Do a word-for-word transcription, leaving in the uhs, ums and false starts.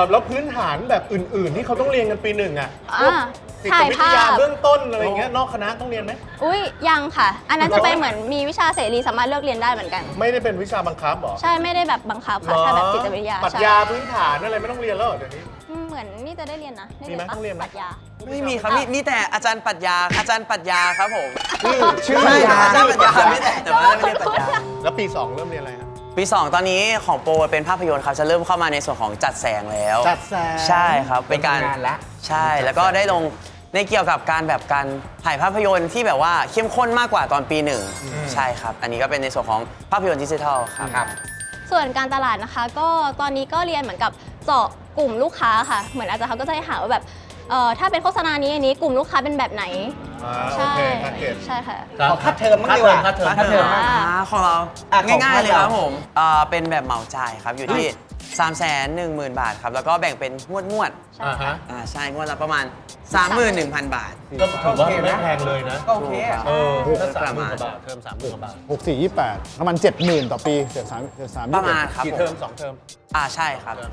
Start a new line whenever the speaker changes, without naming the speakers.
อแล้วพื้นฐานแบบอื่นๆที่เขาต้องเรียนกันปีหนึ่งอ่ะพวก
อ่า
จิต
ถ่าย
วิท
ภาพ
ยาเบื้องต้นอะไรเงี้ยนอกคณะต้องเรียนไหม
อุ้ยยังค่ะ อันนั้นจะเป็นเหมือนมีวิชาเสรีสามารถเลือกเรียนได้เหมือนกัน
ไม่ได้เป็นวิชาบังคับหรอ
ใช่ไม่ได้แบบบังคับค่ะถ้าแบบจิตวิทยา
ปรัช
ใช่
ญาพื้นฐานอะไรไม่ต้องเรียนแล้วเหรอเดี๋ยวนี้
อืมเหมือนนี่จะได้เรียนนะด้
มีไหม
ปะ
ต้องเรียนไหม
ปรัชญา
ไม่มีครับมีมีแต่อาจารย์ปรัชญาอาจารย์ปรัชญาครับผม
ชื่อ
ชื่อ
ใช่
ยา
อาจารย์ปรัชญาไม่แต่แต่ว่าไม่ได้ปรัชญา
แล้วปีสองเริ่มเรียนอะไรครับ
ปีสองตอนนี้ของโปรเป็นภาพยนตร์ครับจะเริ่มเข้ามาในส่วนของจัดแสงแล้ว
จัดแสง
ใช่ครับเป็นการ
ทำงานแล้ว
ใช่แล้วก็ได้ลงในเกี่ยวกับการแบบการถ่ายภาพยนตร์ที่แบบว่าเข้มข้นมากกว่าตอนปีหนึ่งใช่ครับอันนี้ก็เป็นในส่วนของภาพยนตร์ดิจิทัลครับ
ครับ
ส่วนการตลาดนะคะ ก็ตอนนี้ก็เรียนเหมือนกับเจาะกลุ่มลูกค้าค่ะ เหมือนอาจารย์เขาก็จะให้หาว่าแบบเอ่อถ้าเป็นโฆษณานี้อันนี้กลุ่มลูกค้าเป็นแบบไหน
อ่าโอ
ใช่
เคทาร์เก็ต
ใช่ค่ะ
ขอค่าเทอมบ้างดีกว่า
ค่าเทอม
ค่าเทอม
อ่า
อ่าของเรา
อ่ะของ
ง่ายๆเลย
เรา
ครับผมเอ่อเป็นแบบเหมาจ่ายครับอยู่ที่ 3 1 0 0 0 0 บาทครับแล้วก็แบ่งเป็นงวดงวด
ใช่
อ่า
ค่ะ
ฮะ
ๆอ่าใช่งวดละประมาณ สามหมื่นหนึ่งพัน บาท
ก็ถือว่าไม่แพงเลยนะ
ก็โอเคอะ
เออ
ถูก
ถ้า
ป
สาม
ระ
หมื่
มาน ณ
กว่าบาทเทอมสามหมื่นกว่าบาท
หกสี่ยี่แปดประมาณเจ็ดหมื่นต่อปีเจ็ดสามเจ็ดสาม
ประมาณครับ
กี่
ผม
เทอมสองเทอม
อ่าใช่ครับ